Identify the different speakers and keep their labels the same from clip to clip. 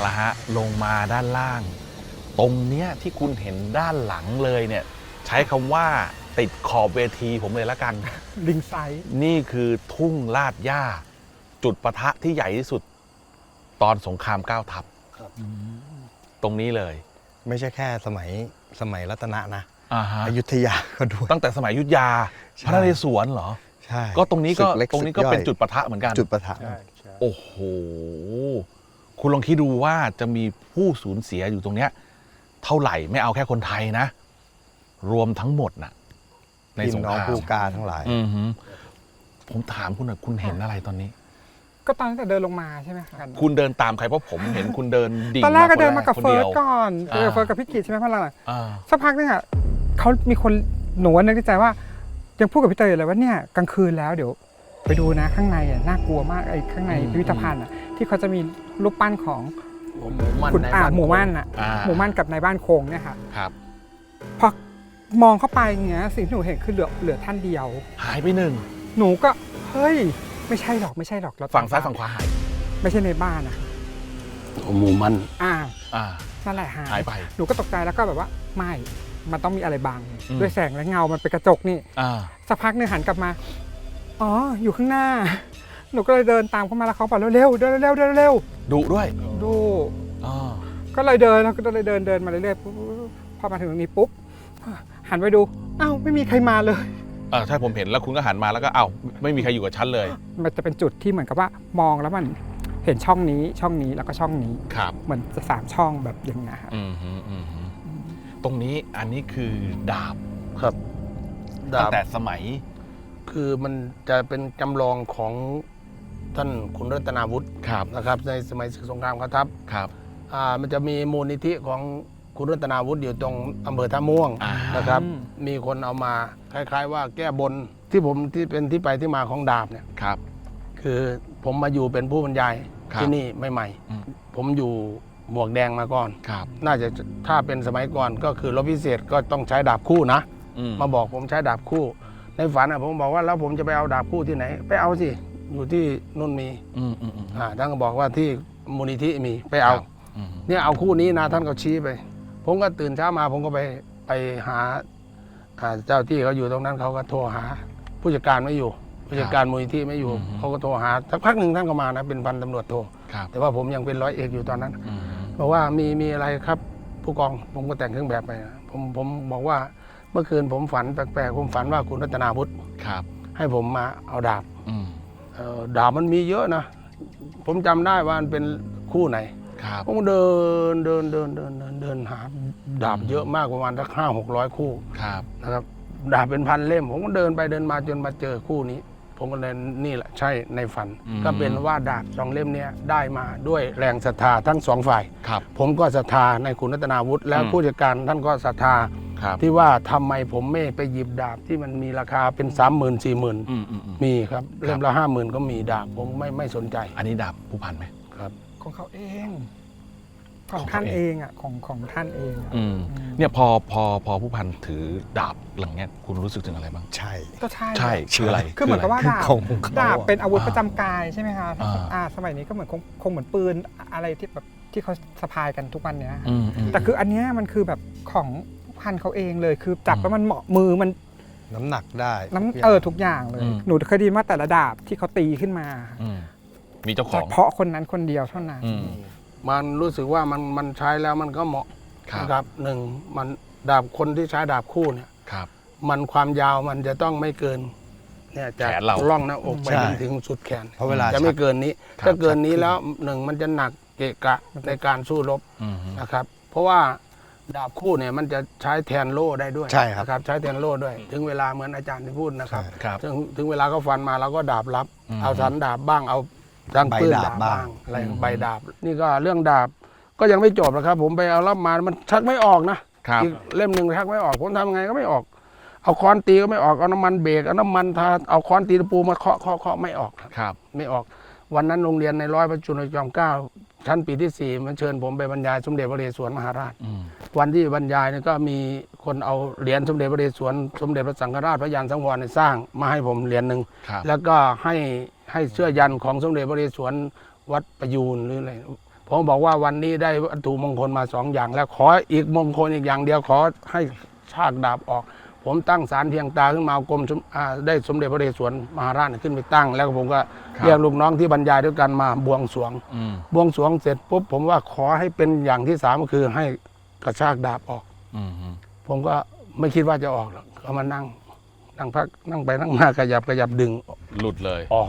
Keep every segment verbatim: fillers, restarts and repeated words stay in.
Speaker 1: ละฮะลงมาด้านล่าง ตรงเนี้ยที่คุณเห็นด้านหลังเลยเนี่ยใช้คำว่าติดขอบเวทีผมเลยละกัน
Speaker 2: ลิงไซด์
Speaker 1: นี่คือทุ่งลาดหญ้า จุดปะทะที่ใหญ่ที่สุด ตอนสงครามเก้าทัพตรงนี้เลย
Speaker 3: ไม่ใช่แค่สมัยสมัยรัตนะนะ
Speaker 1: อ่าฮะ
Speaker 3: อยุธยาก็ด้วย
Speaker 1: ตั้งแต่สมัยอยุธยา
Speaker 3: ใช่
Speaker 1: พระนเรศวรเหรอ
Speaker 3: ใช่
Speaker 1: ก็ตรงนี้ก็
Speaker 3: ศึเล็
Speaker 1: ตรงนี้ก็
Speaker 3: ศึย่อย
Speaker 1: เป็นจุดปะทะเหมือนกัน
Speaker 3: จุดปะทะ
Speaker 2: ใช่ใช่
Speaker 1: โอ้โห คุณลองคิดดูว่าจะมีผู้สูญเสียอยู่ตรงเนี้ยเท่าไหร่ไม่เอาแค่คนไทยนะ รวมทั้งหมดน่ะ ใน
Speaker 3: พี่
Speaker 1: สง
Speaker 3: น้อง
Speaker 1: คราม
Speaker 3: ผู้กล้าทั้งหลาย
Speaker 1: อือหือผมถามคุณหน่อยคุณเห็นอะไรตอนนี้
Speaker 2: ก็ตอนแต่เดินลงมาใช่ไหมคะ
Speaker 1: คุณเดินตามใครเพราะผมเห็นคุณเดินดิ่ง
Speaker 2: ตอนแรกก็
Speaker 1: ค
Speaker 2: เดินมากับ
Speaker 1: ค
Speaker 2: เฟิร์ส
Speaker 1: ดียว
Speaker 2: ก่อน
Speaker 1: อ่า
Speaker 2: เออเฟิร์สกับพี่กิจใช่ไหมพ่อหลัง
Speaker 1: อ่า
Speaker 2: สักพักนึงอ่ะเขามีคนหนูนึกในใจว่ายังพูดกับพี่เตยอยู่เลยว่าเนี่ยกลางคืนแล้วเดี๋ยวไปดูนะข้างในอ่ะน่ากลัวมากไอ้ข้างในพิพิธภัณฑ์อ่ะที่เขาจะมีรูปปั้นของ
Speaker 4: หมูมั่น
Speaker 2: คุณ
Speaker 4: ใน
Speaker 2: อ่า
Speaker 4: บ้าน
Speaker 2: หมู่มั่นอ่ะ
Speaker 1: อ่า
Speaker 2: หมู่มั่นกับในบ้านโคงเนี่ยค่ะ
Speaker 1: ครับ
Speaker 2: พอมองเข้าไปเงี้ยสิ่งที่หนูเห็นคือเหลือเหลือท่านเดียว
Speaker 1: หายไปหนึ่ง
Speaker 2: หนูก็เฮ้ยไม่ใช่หรอกไม่ใช่หรอกเร
Speaker 1: ฝั่งซ้ายฝั่งขวาหาย
Speaker 2: ไม่ใช่ในบ้านอ่ะ
Speaker 4: หมูมั่น
Speaker 2: อ่า
Speaker 1: อ่า
Speaker 2: นั่นแหละหาย
Speaker 1: หายไป
Speaker 2: หนูก็ตกใจแล้วก็แบบว่าไม่มันต้องมีอะไรบัง
Speaker 1: อืม
Speaker 2: ด้วยแสงและเงามันเป็นกระจกนี่
Speaker 1: อ่า
Speaker 2: สักพักหนึงหันกลับมา อ๋อ อยู่ข้างหน้า หนูก็เลยเดินตามเข้ามาแล้วเขาบอกเร็วๆเดินเร็วๆเดินเร็ว
Speaker 1: ดุด้วย
Speaker 2: ๆดู
Speaker 1: อ่า
Speaker 2: ก็เลยเดินแล้วก็เลยเดินเดินมาเรื่อยๆปุ๊บพอมาถึงตรงนี้ปุ๊บ หันไปดู อ้าวไม่มีใครมาเลย
Speaker 1: เออใช่ผมเห็นแล้วคุณก็หันมาแล้วก็เอ้าไม่มีใครอยู่กับฉันเลย
Speaker 2: มันจะเป็นจุดที่เหมือนกับว่ามองแล้วมันเห็นช่องนี้ช่องนี้แล้วก็ช่องนี้
Speaker 1: ครับ
Speaker 2: เหมือนจะสามช่องแบบอย่างเงี้ยครับ
Speaker 1: อืมฮึอืมฮึตรงนี้อันนี้คือดาบ
Speaker 4: ครับ
Speaker 1: ตั้
Speaker 4: ดาง บ
Speaker 1: แต่สมัย
Speaker 4: คือมันจะเป็นจำลองของท่านขุนรัตนาวุฒิ
Speaker 1: ครับ
Speaker 4: นะครับ ในสมัยศึกสงครามกองทัพ
Speaker 1: ครับ
Speaker 4: อ่ามันจะมีมูลนิธิของขุนรัตนาวุฒิอยู่ตรงอำเภอท่าม่วง
Speaker 1: อ่าน
Speaker 4: นะครับ มีคนเอามาคล้าย ๆ ว่าแก้บนที่ผมที่เป็นที่ไปที่มาของดาบเนี่ย
Speaker 1: ครับ
Speaker 4: คือผมมาอยู่เป็นผู้บรรยาย
Speaker 1: ครับ
Speaker 4: ที่นี่ใหม่
Speaker 1: อืม
Speaker 4: ๆผมอยู่หมวกแดงมาก่อน
Speaker 1: ครับ
Speaker 4: น่าจะถ้าเป็นสมัยก่อนก็คือรบพิเศษก็ต้องใช้ดาบคู่นะ
Speaker 1: อืม
Speaker 4: มาบอกผมใช้ดาบคู่ ในฝันอ่ะผมบอกว่าแล้วผมจะไปเอาดาบคู่ที่ไหน ไปเอาสิอยู่ที่นุ่นมี
Speaker 1: อืมอืมอืม
Speaker 4: อ่าท่านก็บอกว่าที่มูลนิธิมีไปเอา
Speaker 1: ครับอืม
Speaker 4: เนี่ยเอาคู่นี้นะท่านก็ชี้ไป ผมก็ตื่นเช้ามาผมก็ไปไปหาอ่าเจ้าที่เขาอยู่ตรงนั้นเขาก็โทรหา ผู้จัดการไม่อยู่ ผู้จัดการมูลนิธิไม่อยู่เขาก็โทรหาสักพักหนึ่งท่านก็มานะเป็นพันตำรวจโท
Speaker 1: ครับ
Speaker 4: แต่ว่าผมยังเป็นร้อยเอกอยู่ตอนนั้น
Speaker 1: อืม
Speaker 4: บอกว่ามีมีอะไรครับ ผู้กองผมก็แต่งเครื่องแบบไปนะผมผมบอกว่าเมื่อคืนผมฝันแปลกๆผมฝันว่าคุณรัตนาวุฒิ
Speaker 1: ครับ
Speaker 4: ให้ผมมาเอาดาบ
Speaker 1: อืม
Speaker 4: เอ่อดาบมันมีเยอะนะ ผมจำได้ว่ามันเป็นคู่ไหน
Speaker 1: ครับ
Speaker 4: ผมก็เดินเดินเดินเดินเดินเดินหาดาบเยอะมากประมาณสักห้าหกร้อยคู่
Speaker 1: ครับ
Speaker 4: นะครับดาบเป็นพันเล่ม ผมก็เดินไปเดินมาจนมาเจอคู่นี้ ผมก็เลยนี่แหละใช่ในฝัน ก็เป็นว่าดาบสองเล่มเนี้ยได้มาด้วยแรงศรัทธาทั้งสองฝ่าย
Speaker 1: ครับ
Speaker 4: ผมก็ศรัทธาในคุณรัตนาวุฒิและ
Speaker 1: อืม
Speaker 4: ผู้จัดการท่านก็ศรัทธา
Speaker 1: ครับ
Speaker 4: ที่ว่าทำไมผมไม่ไปหยิบดาบที่มันมีราคาเป็นสามหมื่นสี่หมื่น
Speaker 1: อืมอืมอืม
Speaker 4: มีครับเล่มละห้าหมื่นก็มีดาบผมไม่ไม่สนใจ
Speaker 1: อันนี้ดาบผู้พันไหม
Speaker 4: ครับ
Speaker 2: ของเขาเองของ
Speaker 1: ของ
Speaker 2: ท่าน
Speaker 1: เขาเอ
Speaker 2: เอง งอ่ะของของท่านเองอะ
Speaker 1: อืม
Speaker 2: อืม
Speaker 1: เนี่ยพอพอพอผู้พันถือดาบหลังเนี้ยคุณรู้สึกถึงอะไรบ้าง
Speaker 3: ใช่
Speaker 2: ก็ใช่
Speaker 1: ใช่คืออะไร
Speaker 2: คือเหมือนกับว่าดาบ
Speaker 3: ของเขา
Speaker 2: ดาบเป็นอาวุธ
Speaker 1: อ่า
Speaker 2: ประจำกายใช่ไหมคะถ้า
Speaker 1: อ่า
Speaker 2: อ่าสมัยนี้ก็เหมือนคงคงเหมือนปืนอะไรที่แบบที่เขาสะพายกันทุกวันเนี้ย
Speaker 1: อืมอืม
Speaker 2: แต่คืออันเนี้ยมันคือแบบของพันเขาเองเลยคือจับ
Speaker 1: อืม
Speaker 2: แล้วมันเหมาะมือมัน
Speaker 3: น้ำหนักได้
Speaker 2: น้ำ
Speaker 3: ทุกย่าง
Speaker 2: เออทุกอย่างเลย
Speaker 1: อืม
Speaker 2: หนูเคยไดยินว่าแต่ละดาบที่เขาตีขึ้นมา
Speaker 1: อืมมีเจ้าข
Speaker 2: เฉ
Speaker 1: อง
Speaker 2: พาะคนนั้นคนเดียวเท่านั้น
Speaker 1: อืม
Speaker 4: มันรู้สึกว่ามันมันใช้แล้วมันก็เหมาะ
Speaker 1: ครับ
Speaker 4: นะครับหนึ่งมันดาบคนที่ใช้ดาบคู่เนี่ย
Speaker 1: ครับ
Speaker 4: มันความยาวมันจะต้องไม่เกินเนี่ยจาก
Speaker 1: แขนเรา
Speaker 4: ร่องหน้าอกไป
Speaker 3: ใช่
Speaker 4: จนถึงสุดแขน
Speaker 3: เพราะเวลา
Speaker 4: จะไม่เกินนี้
Speaker 1: ครับ
Speaker 4: ถ้าเกินนี้
Speaker 3: ชักขึ้น
Speaker 4: แล้วหนึ่งมันจะหนักเกะกะในการสู้รบ
Speaker 1: อืม
Speaker 4: นะครับ เพราะว่าดาบคู่เนี่ยมันจะใช้แทนโล่ได้ด้วย
Speaker 3: ใช่ครับ
Speaker 4: นะครับ ใช้แทนโล่ด้วย ถึงเวลาเหมือนอาจารย์ที่พูดนะครับ
Speaker 3: ใช่
Speaker 1: ครับ
Speaker 4: ถึงถึงเวลาเขาฟันมาเราก็ดาบรับ
Speaker 1: อืม
Speaker 4: เอาสันดาบบ้างเอาดังปืน
Speaker 3: ใบดา
Speaker 4: ดา
Speaker 3: บบ บ้า
Speaker 4: บ้าง งอะไรใบดาบ นี่ก็เรื่องดาบก็ยังไม่จบนะครับ ผมไปเอารับมามันชักไม่ออกนะครับ อีกเล่มหนึ่งชักไม่ออกผมทำยังไงก็ไม่ออก เอาค้อนตีก็ไม่ออกเอาน้ำมันเบรกเอาน้ำมันทาเอาค้อนตีตะปูมาเคาะเคาะเคาะไม่ออกครับ
Speaker 1: ครับ
Speaker 4: ไม่ออก วันนั้นโรงเรียนในร้อยพระจุลจอมเกล้าชั้นปีที่สี่มันเชิญผมไปบรรยายสมเด็จพระนเรศวรมหาราช
Speaker 1: อืม
Speaker 4: วันที่บรรยายเนี่ยก็มีคนเอาเหรียญสมเด็จพระนเรศวรสมเด็จพระสังฆราชพระยานสังวรเนี่ยสร้างมาให้ผมเหรียญหนึ่ง
Speaker 1: ครับ
Speaker 4: แล้วก็ให้ให้เสื้อยันของสมเด็จพระนเรศวรวัดประยูนหรืออะไรผมบอกว่าวันนี้ได้วัตถุมงคลมาสองอย่าง แล้วขออีกมงคลอีกอย่างเดียวขอให้ชากดาบออก ผมตั้งศาลเพียงตาขึ้นมากรมได้สมเด็จพระนเรศวรมหาราชขึ้นไปตั้ง แล้วผมก็เรียกลูกน้องที่บรรยายด้วยกันมาบวงสรวงบวงสรวงเสร็จปุ๊บผมว่าขอให้เป็นอย่างที่สามก็คือให้กระชากดาบออกผมก็ไม่คิดว่าจะออกหรอกก็มานั่งนั่งพักนั่งไปนั่งมาขยับขยับดึง
Speaker 1: หลุดเลย
Speaker 4: ออก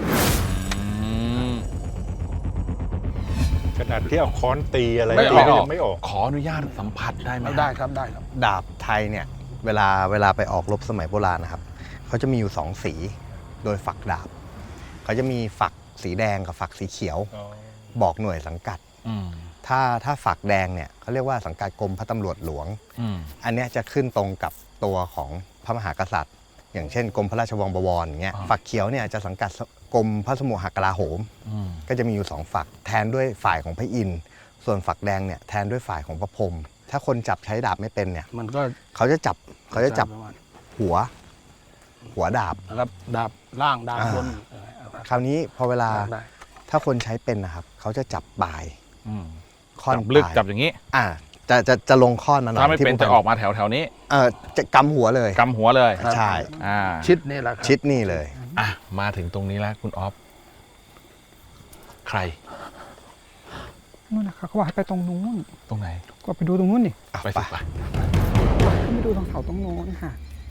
Speaker 5: ขนาดที่เอาค้อนตีอะไร
Speaker 1: ไม่ออก
Speaker 5: ก็ยังไม่ออก
Speaker 1: ขออนุญาตสัมผัสได้ไหม
Speaker 4: ได้ครับได้ครับ
Speaker 3: ดาบไทยเนี่ยเวลาเวลาไปออกรบสมัยโบราณนะครับเขาจะมีอยู่สองสีโดยฝักดาบเขาจะมีฝักสีแดงกับฝักสีเขียว บอกหน่วยสังกัด
Speaker 1: อืม
Speaker 3: ถ้าถ้าฝักแดงเนี่ยเขาเรียกว่าสังกัดกรมพระตำรวจหลวง
Speaker 1: อืม
Speaker 3: อันเนี้ยจะขึ้นตรงกับตัวของพระมหากษัตริย์ อย่างเช่นกรมพระราชวังบวรอย่างเงี้ย
Speaker 1: อ่า
Speaker 3: ฝักเขียวเนี่ยจะสังกัดกรมพระสมุหกลาโหม
Speaker 1: อืม
Speaker 3: ก็จะมีอยู่สองฝักแทนด้วยฝ่ายของพระอินทร์ส่วนฝักแดงเนี่ยแทนด้วยฝ่ายของพระพรหมถ้าคนจับใช้ดาบไม่เป็นเนี่ย
Speaker 4: มันก็
Speaker 3: เขาจะจับเขาจะจับ
Speaker 4: ประมาณ
Speaker 3: หัว หัวดาบ
Speaker 4: นะครับดาบล่างดาบบน
Speaker 3: คราวนี้พอเวลา
Speaker 4: ได้
Speaker 3: ถ้าคนใช้เป็นนะครับเขาจะจับปลาย
Speaker 1: อืม
Speaker 3: ค่อน
Speaker 1: จับลึก
Speaker 3: ปลาย
Speaker 1: จับอย่างนี้
Speaker 3: อ่าจะจะจะลงข้อนมาหน่อย
Speaker 1: ถ้าไม่เป็น
Speaker 3: ที่
Speaker 1: จะออกมาแถวแถวๆนี้
Speaker 3: เออจะกำหัวเลย
Speaker 1: กำหัวเลย
Speaker 3: ใช่
Speaker 1: อ่า
Speaker 4: ชิดนี่แหละครับ
Speaker 3: ชิดนี่เลย
Speaker 1: อ่ะมาถึงตรงนี้แล้วคุณออฟใคร
Speaker 2: นู่นนะคะเขาบอกให้ไปตรงนู้น
Speaker 1: ตรงไหน
Speaker 2: ก็ไปดูตรงนู้นดิ
Speaker 3: อ่ะ
Speaker 1: ไป
Speaker 3: ไป
Speaker 1: สิไป
Speaker 2: ขึ้นไปดูตรงเสาตรงโน้นค่ะ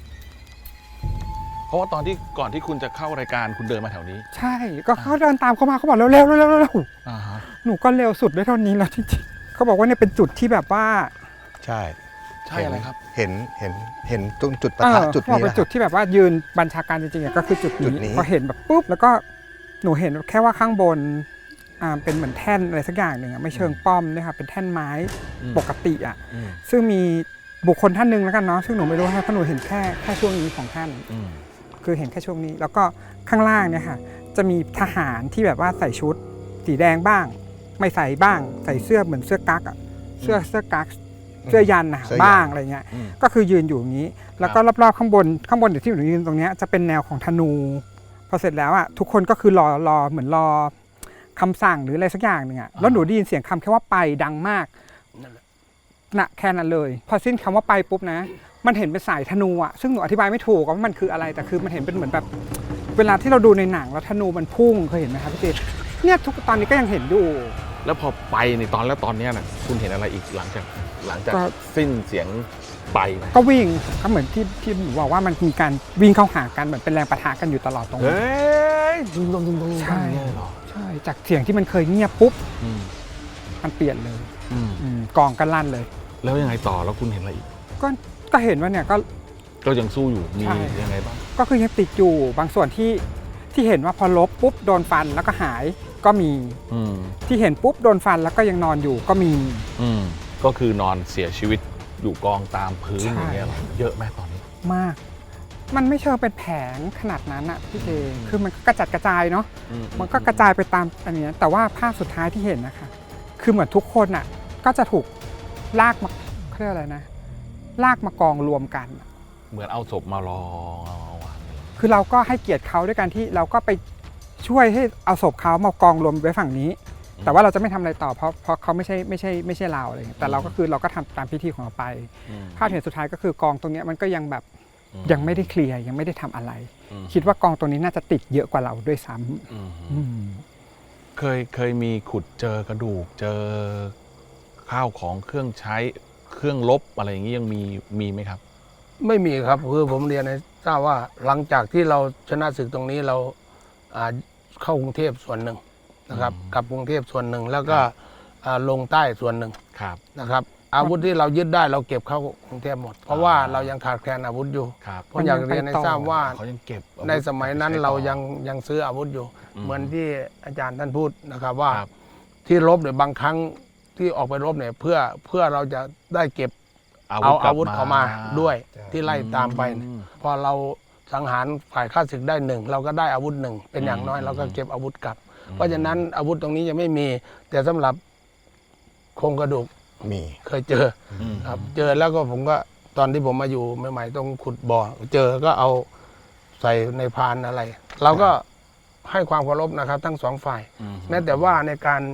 Speaker 1: เพราะว่าตอนที่ก่อนที่คุณจะเข้ารายการคุณเดินมาแถวนี้
Speaker 2: ใช่ ก็เขาเดินตามเขามาเขาบอกเร็วๆเร็วๆเร็วๆเร็ว
Speaker 1: อ่าฮะ
Speaker 2: ๆหนูก็เร็วสุดได้เท่านี้แล้วจริงๆเขาบอกว่าเนี่ยเป็นจุดที่แบบว่า
Speaker 3: ใช่
Speaker 1: ใช่อะไรครับ
Speaker 3: เห็นเห็นเห็นตรงจุดปะ
Speaker 2: เอ
Speaker 3: ทะ
Speaker 2: อ
Speaker 3: จุด
Speaker 2: เขาบอก
Speaker 3: นี้
Speaker 2: เป็น
Speaker 3: แหละ
Speaker 2: จุดที่แบบว่ายืนบัญชาการจริงๆอะก็คือจุด
Speaker 3: จุด
Speaker 2: นี้
Speaker 3: นี้
Speaker 2: พอเห็นแบบปุ๊บแล้วก็หนูเห็นแค่ว่าข้างบนอ่าเป็นเหมือนแท่นอะไรสักอย่างหนึ่งอะไม่เชิงป้อมด้วยค่ะเป็นแท่นไม้
Speaker 1: อืม
Speaker 2: ปกติอ่ะ
Speaker 1: อืม
Speaker 2: ซึ่งมีบุคคลท่านหนึ่งแล้วกันเนาะซึ่งหนูไม่รู้ค่ะเพราะหนูเห็นแค่แค่ช่วงนี้ของท่าน
Speaker 1: อืม
Speaker 2: คือเห็นแค่ช่วงนี้ แล้วก็ข้างล่างเนี่ยค่ะจะมีทหารที่แบบว่าใส่ชุดสีแดงบ้าง ไม่ใส่บ้าง ใส่เสื้อเหมือนเสื้อกั๊กอะเสื้อเสื้อกั๊กเสื้อยันนะ
Speaker 3: เสื้อยัน
Speaker 2: บ้างอะไรเงี้ย
Speaker 1: อืม
Speaker 2: ก็คือยืนอยู่อย่างนี้ แล้วก็รอบๆข้างบนข้างบนเดี๋ยวที่หนูยืนตรงเนี้ยจะเป็นแนวของธนูพอเสร็จแล้วอ่ะทุกคนก็คือรอรอเหมือนรอคำสั่งหรืออะไรสักอย่างหนึ่งอ่ะแล้วหนูได้ยินเสียงคำแค่ว่าไปดังมาก
Speaker 4: นั่นแหละ
Speaker 2: นะแค่นั้นเลย พอสิ้นคำว่าไปปุ๊บนะ มันเห็นเป็นสายธนูอ่ะซึ่งหนูอธิบายไม่ถูกว่ามันคืออะไรแต่คือมันเห็นเป็นเหมือนแบบ เวลาที่เราดูในหนังแล้วธนูมันพุ่งเคยเห็นไหมครับพี่เจเนี่ยทุกตอนนี้ก็ยังเห็นอยู่
Speaker 1: แล้วพอไปในตอนแล้วตอนเนี้ยน่ะคุณเห็นอะไรอีกหลังจากหลังจาก
Speaker 2: ก็
Speaker 1: สิ้นเสียงไปไหม
Speaker 2: ก็วิ่งก็เหมือนที่ที่หนูบอกว่ามันมีการวิ่งเข้าหากันเหมือนเป็นแรงปะทะกันอยู่ตลอดตรง
Speaker 1: เฮ้
Speaker 2: นี้
Speaker 1: ยดึงลงดึงลง
Speaker 2: ใช่
Speaker 1: เนี่ยเหรอ
Speaker 2: ใช่จากเสียงที่มันเคยเงียบปุ๊บ
Speaker 1: อืม
Speaker 2: มันเปลี่ยนเลย
Speaker 1: อืม
Speaker 2: อืมกองกันลั่นเลย
Speaker 1: แล้วยังไงต่อแล้วคุณเห็นอะไรอีก
Speaker 2: ก็ก็เห็นว่าเนี่ยก็
Speaker 1: ก็ยังสู้อยู่มี
Speaker 2: ใช่
Speaker 1: ยังไงบ้าง
Speaker 2: ก็คือยังติดอยู่บางส่วนที่ที่เห็นว่าพอลบปุ๊บโดนฟันแล้วก็หายก็มี
Speaker 1: อืม
Speaker 2: ที่เห็นปุ๊บโดนฟันแล้วก็ยังนอนอยู่ก็มี
Speaker 1: อืมก็คือนอนเสียชีวิตอยู่กองตามพื้น
Speaker 2: ใช่
Speaker 1: อย่างเงี้ยเหรอเยอะไหมตอนนี้
Speaker 2: มาก มันไม่เชิงเป็นแผงขนาดนั้นอะพี่เจคือมันก็กระจัดกระจายเนาะ
Speaker 1: อื
Speaker 2: มันก็กระจายไปตามอันเนี้ยแต่ว่าภาพสุดท้ายที่เห็นนะคะ คือเหมือนทุกคนอะก็จะถูกลากมาเขาเรียกอะไรนะ ลากมากองรวมกัน
Speaker 1: เหมือนเอาศพมารอเอาวางเลย
Speaker 2: คือเราก็ให้เกียรติเขาด้วยการที่เราก็ไปช่วยให้เอาศพเขามากองรวมไว้ฝั่งนี้ แต่ว่าเราจะไม่ทำอะไรต่อเพราะเพราะเขาไม่ใช่ไม่ใช่ไม่ใช่เราอะไรเงี้ยแต่เราก็คือเราก็ทำตามพิธีของเราไป
Speaker 1: อืม
Speaker 2: ภาพที่เห็นสุดท้ายก็คือกองตรงเนี้ยมันก็ยังแบบ
Speaker 1: อื
Speaker 2: ยังไม่ได้เคลียร์ยังไม่ได้ทำอะไร
Speaker 1: อืม
Speaker 2: คิดว่ากองตรงนี้น่าจะติดเยอะกว่าเราด้วยซ้
Speaker 1: อืม
Speaker 2: ำอืม
Speaker 1: เคยเคยมีขุดเจอกระดูก เจอข้าวของเครื่องใช้เครื่องลบอะไรอย่างนี้ยังมีมีไหมครับ
Speaker 4: ไม่มีครับคือผมเรียนให้ทราบว่าหลังจากที่เราชนะศึกตรงนี้เราอ่าเข้ากรุงเทพส่วนหนึ่งนะครับ
Speaker 1: อืม
Speaker 4: กลับกรุงเทพส่วนหนึ่งแล้วก็อ่าลงใต้ส่วนหนึ่ง
Speaker 1: ครับ
Speaker 4: นะครับ อาวุธที่เรายึดได้เราเก็บเข้ากรุงเทพหมด เพราะว่าเรายังขาดแคลนอาวุธอยู่
Speaker 1: ครับ
Speaker 4: ผมอยากเรียนให้ทราบว่า
Speaker 1: เขายังเก็บอาวุธ
Speaker 4: ในสมัยนั้น
Speaker 1: ใช้ต่อ
Speaker 4: เรายังยังซื้ออาวุธอยู่
Speaker 1: อืม
Speaker 4: เหมือนที่อาจารย์ท่านพูดนะครับว่า
Speaker 1: ครับ
Speaker 4: ที่รบเนี่ยบางครั้งที่ออกไปรบเนี่ยเพื่อเพื่อเราจะได้เก็บ
Speaker 1: อาวุ
Speaker 4: เอา
Speaker 1: ธกลั
Speaker 4: อา
Speaker 1: บ
Speaker 4: วุธ
Speaker 1: มา
Speaker 4: เข้ามาด้วย
Speaker 3: ใช่
Speaker 4: ที่ไล่ตามไปเนี่ย
Speaker 1: อืม
Speaker 4: พอเราสังหารฝ่ายข้าศึกได้หนึ่งเราก็ได้อาวุธหนึ่งเป็นอย่างน้อย
Speaker 1: อืม
Speaker 4: เราก็เก็บอาวุธกลับ
Speaker 1: อืม
Speaker 4: เพราะฉะนั้นอาวุธตรงนี้ยังไม่มี แต่สำหรับโครงกระดูก
Speaker 3: มี
Speaker 4: เคยเจอ
Speaker 1: อืม
Speaker 4: ครับ เจอแล้วก็ผมก็ตอนที่ผมมาอยู่ใหม่ๆต้องขุดบ่อเจอก็เอาใส่ในพานอะไร เราก็ให้ความเคารพนะครับ ทั้งสองฝ่าย
Speaker 1: อืม
Speaker 4: แม้แต่ว่าในการ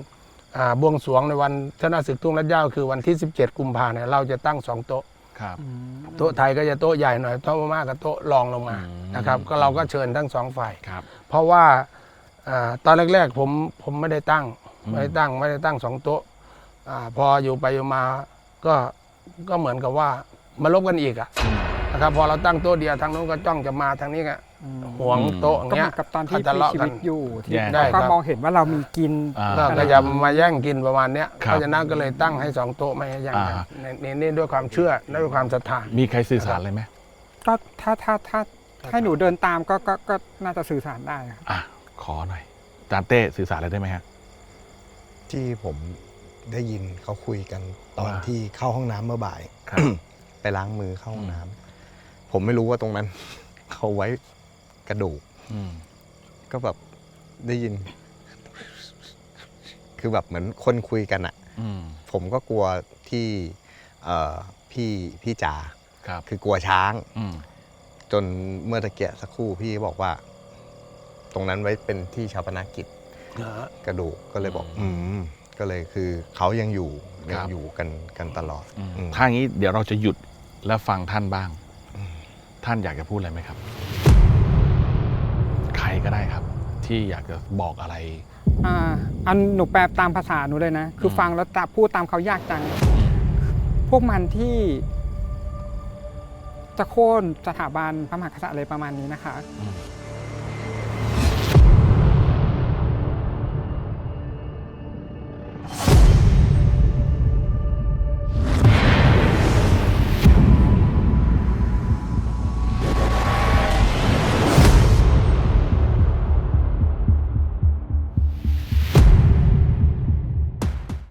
Speaker 4: อ่าบวงสรวงในวันชนะศึกทุ่งรัดเหย้าคือวันที่สิบเจ็ดกุมภาเนี่ยเราจะตั้งสองโต๊ะ
Speaker 1: ครับ
Speaker 4: โต๊ะไทยก็จะโต๊ะใหญ่หน่อยโต๊ะพม่าก็โต๊ะรองลงมา
Speaker 1: อืม
Speaker 4: นะครับก็เราก็เชิญทั้งสองฝ่าย
Speaker 1: ครับ
Speaker 4: เพราะว่าอ่าตอนแรกๆผมผมไม่ได้ตั้ง
Speaker 1: อืม
Speaker 4: ไม่ได้ตั้งไม่ได้ตั้งสองโต๊ะอ่าพออยู่ไปอยู่มาก็ก็เหมือนกับว่ามาลบกันอีกอะนะครับพอเราตั้งโต๊ะเดียวทางโน้นก็จ้องจะมาทางนี้ก็หวงโต๊ะอย่าง
Speaker 2: ก็เห
Speaker 4: เงี้
Speaker 2: มื
Speaker 4: ย
Speaker 2: อนกับตอนที่
Speaker 4: ทะ
Speaker 2: มี
Speaker 4: เลาะ
Speaker 2: ชี
Speaker 4: กั
Speaker 2: วิ
Speaker 4: น
Speaker 2: ตอยู่ที่
Speaker 1: แย่
Speaker 4: ได้
Speaker 2: เขา
Speaker 4: ครั
Speaker 2: ก็
Speaker 4: บ
Speaker 2: มองเห็นว่าเรามีกิน
Speaker 1: อ่า
Speaker 4: ก็ก็จะมาแย่งกินประมาณเนี้ย
Speaker 1: ครับ
Speaker 4: เพราะฉะนั้นก็เลยตั้งให้สองโต๊ะไม่ให้แย่งกัน
Speaker 1: อ่า
Speaker 4: ในในนี่ด้วยความเชื่อและด้วยความศรัทธา
Speaker 1: มีใครสื่อสารอะไรไหม
Speaker 2: ก็ถ้าถ้าถ้าให้หนูเดินตามก็ก็ก็น่าจะสื่อสารได้ครับ
Speaker 1: อ่ะขอหน่อยอาจารย์เต้สื่อสารอะไรได้ไหมฮะ
Speaker 3: ที่ผมได้ยินเขาคุยกันตอน
Speaker 1: ว่า
Speaker 3: ที่เข้าห้องน้ำเมื่อบ่าย
Speaker 1: ครับ
Speaker 3: ไปล้างมือเข้าห้องน้ำผมไม่รู้ว่าตรงนั้น เขาไว้กระดูก
Speaker 1: อืม
Speaker 3: ก็แบบได้ยิน คือแบบเหมือนคนคุยกันอะ
Speaker 1: อืม
Speaker 3: ผมก็กลัวที่เอ่อพี่พี่จ๋า
Speaker 1: ครับ
Speaker 3: คือกลัวช้าง
Speaker 1: อืม
Speaker 3: จนเมื่อตะเกียสักครู่พี่บอกว่า ตรงนั้นไว้เป็นที่ชาปนกิจกระดูกก็เลยบอก อืมก็เลยคือเขายังอยู่ยังอยู่กันกันตลอด
Speaker 1: อืม
Speaker 3: อืม
Speaker 1: ถ้างี้เดี๋ยวเราจะหยุดแล้วฟังท่านบ้าง ท่านอยากจะพูดอะไรไหมครับ ใครก็ได้ครับ ที่อยากจะบอกอะไร
Speaker 2: อ่าอันหนูแปลตามภาษาหนูเลยนะ คืออ
Speaker 1: ม
Speaker 2: ฟังแล้วจะพูดตามเขายากจัง พวกมันที่ จะโค่นสถาบันพระมหากษัตริย์อะไรประมาณนี้นะคะ
Speaker 1: อืม